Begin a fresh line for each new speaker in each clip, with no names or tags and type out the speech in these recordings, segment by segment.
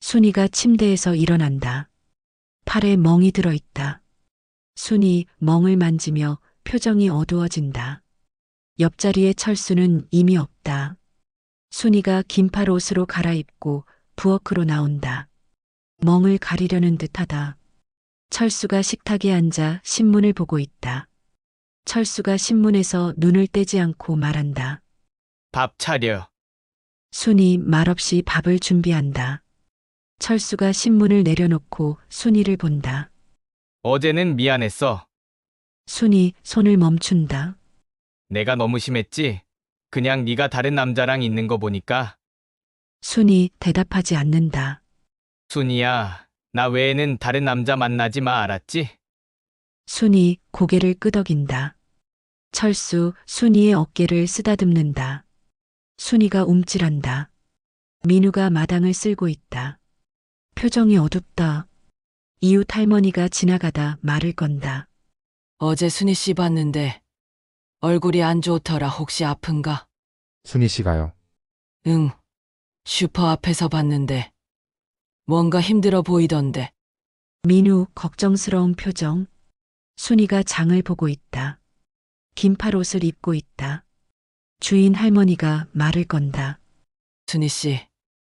순이가 침대에서 일어난다. 팔에 멍이 들어있다. 순이 멍을 만지며 표정이 어두워진다. 옆자리에 철수는 이미 없다. 순이가 긴팔 옷으로 갈아입고 부엌으로 나온다. 멍을 가리려는 듯하다. 철수가 식탁에 앉아 신문을 보고 있다. 철수가 신문에서 눈을 떼지 않고 말한다.
밥 차려.
순이 말없이 밥을 준비한다. 철수가 신문을 내려놓고 순이를 본다.
어제는 미안했어.
순이 손을 멈춘다.
내가 너무 심했지? 그냥 네가 다른 남자랑 있는 거 보니까.
순이 대답하지 않는다.
순이야, 나 외에는 다른 남자 만나지 마, 알았지?
순이 고개를 끄덕인다. 철수 순이의 어깨를 쓰다듬는다. 순이가 움찔한다. 민우가 마당을 쓸고 있다. 표정이 어둡다. 이웃 할머니가 지나가다 말을 건다.
어제 순희 씨 봤는데 얼굴이 안 좋더라. 혹시 아픈가?
순희 씨가요.
응. 슈퍼 앞에서 봤는데 뭔가 힘들어 보이던데.
민우 걱정스러운 표정. 순이가 장을 보고 있다. 긴팔 옷을 입고 있다. 주인 할머니가 말을 건다.
순희 씨,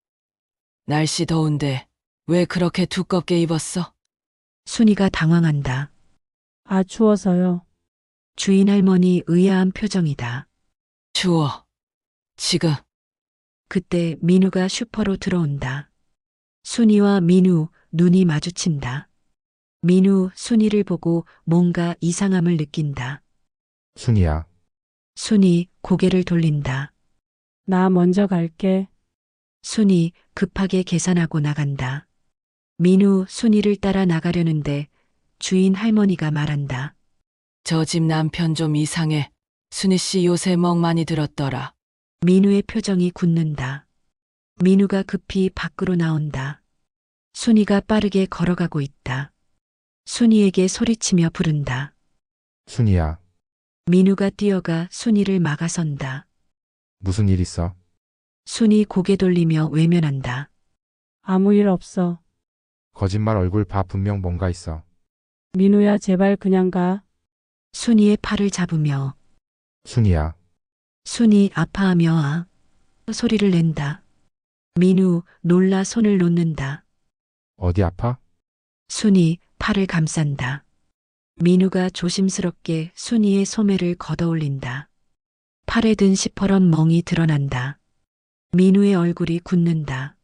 날씨 더운데 왜 그렇게 두껍게 입었어?
순이가 당황한다.
아, 추워서요.
주인 할머니 의아한 표정이다.
추워. 지금
그때 민우가 슈퍼로 들어온다. 순이와 민우 눈이 마주친다. 민우 순이를 보고 뭔가 이상함을 느낀다.
순희야.
순이 고개를 돌린다.
나 먼저 갈게.
순이 급하게 계산하고 나간다. 민우 순이를 따라 나가려는데 주인 할머니가 말한다.
저 집 남편 좀 이상해. 순희 씨 요새 멍 많이 들었더라.
민우의 표정이 굳는다. 민우가 급히 밖으로 나온다. 순이가 빠르게 걸어가고 있다. 순이에게 소리치며 부른다.
순희야.
민우가 뛰어가 순이를 막아선다.
무슨 일 있어?
순이 고개 돌리며 외면한다.
아무 일 없어.
거짓말 얼굴 봐. 분명 뭔가 있어.
민우야, 제발 그냥 가.
순이의 팔을 잡으며
순희야.
순이 아파하며 소리를 낸다. 민우 놀라 손을 놓는다.
어디 아파?
순이 팔을 감싼다. 민우가 조심스럽게 순이의 소매를 걷어올린다. 팔에 든 시퍼런 멍이 드러난다. 민우의 얼굴이 굳는다.